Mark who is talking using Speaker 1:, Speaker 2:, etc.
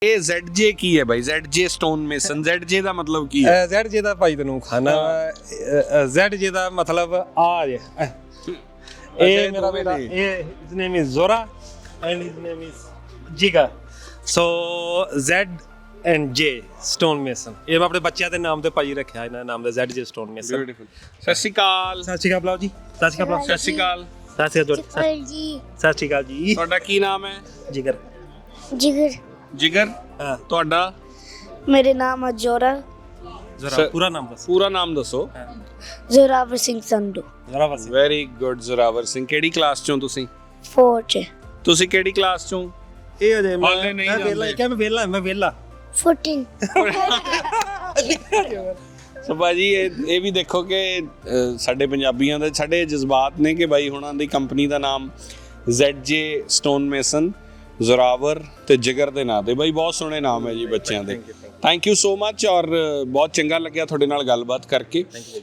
Speaker 1: ਇਹ ZJ ਕੀ ਹੈ ਬਾਈ? ZJ ਸਟੋਨ ਮੇਸਨ, ZJ ਦਾ ਮਤਲਬ ਕੀ ਹੈ?
Speaker 2: ZJ ਦਾ ਭਾਈ ਤੈਨੂੰ ਖਾਣਾ ZJ ਦਾ ਮਤਲਬ ਆ ਜੇ ਇਹ ਮੇਰਾ ਬੇਟਾ, ਇਹ his name is Zora and his name is Jigar, so Z and J stone mason, ਇਹ ਮੈਂ ਆਪਣੇ ਬੱਚਿਆਂ ਦੇ ਨਾਮ ਤੇ ਭਾਈ ਰੱਖਿਆ ਇਹਨਾਂ ਦਾ ਨਾਮ ਦਾ ZJ stone mason।
Speaker 1: ਬਿਊਟੀਫੁਲ। ਸਤਿ ਸ਼੍ਰੀ ਅਕਾਲ।
Speaker 2: ਸਤਿ ਸ਼੍ਰੀ ਅਕਾਲ ਬਲਾਓ ਜੀ। ਸਤਿ ਸ਼੍ਰੀ ਅਕਾਲ।
Speaker 1: ਸਤਿ ਸ਼੍ਰੀ ਅਕਾਲ।
Speaker 2: ਸਤਿ ਸ਼੍ਰੀ ਅਕਾਲ ਜੀ। ਸਤਿ ਸ਼੍ਰੀ ਅਕਾਲ ਜੀ।
Speaker 1: ਤੁਹਾਡਾ ਕੀ ਨਾਮ ਹੈ?
Speaker 2: ਜਿਗਰ।
Speaker 3: जिगर।
Speaker 1: ਜਿਗਰ।
Speaker 2: ਹਾਂ
Speaker 1: ਤੁਹਾਡਾ?
Speaker 3: मेरे नाम है जोरा
Speaker 2: ਜ਼ਰਾ ਪੂਰਾ ਨਾਮ ਦੱਸ।
Speaker 1: ਪੂਰਾ ਨਾਮ ਦੱਸੋ।
Speaker 3: जोरावर सिंह संधू।
Speaker 2: ਜ਼ਰਾ ਬਸ।
Speaker 1: Very good Zorawar Singh. ਕਿਹੜੀ ਕਲਾਸ ਚੋਂ ਤੁਸੀਂ?
Speaker 3: 4
Speaker 1: ਤੁਸੀਂ ਕਿਹੜੀ ਕਲਾਸ ਚੋਂ?
Speaker 2: ਇਹ ਅਜੇ
Speaker 1: ਹਾਲੇ ਨਹੀਂ
Speaker 2: ਮੈਂ ਵੇਲਾ
Speaker 1: ਜਾਂਦੇ।
Speaker 2: ਕਿ ਮੈਂ ਵੇਲਾ
Speaker 3: 14।
Speaker 1: ਸੋ ਭਾਜੀ ਇਹ ਵੀ ਦੇਖੋ ਕਿ ਸਾਡੇ ਪੰਜਾਬੀਆਂ ਦੇ ਸਾਡੇ ਜਜ਼ਬਾਤ ਨੇ ਕਿ ਬਾਈ ਹੁਣਾਂ ਦੀ ਕੰਪਨੀ ਦਾ ਨਾਮ ZJ ਸਟੋਨ ਮੇਸਨ, ਜ਼ੋਰਾਵਰ ਤੇ ਜਿਗਰ ਦੇ ਨਾਂ ਤੇ। ਬਾਈ ਬਹੁਤ ਸੋਹਣੇ ਨਾਮ ਹੈ ਜੀ ਬੱਚਿਆਂ ਦੇ। Thank you so much. ਔਰ ਬਹੁਤ ਚੰਗਾ ਲੱਗਿਆ ਤੁਹਾਡੇ ਨਾਲ ਗੱਲਬਾਤ ਕਰਕੇ।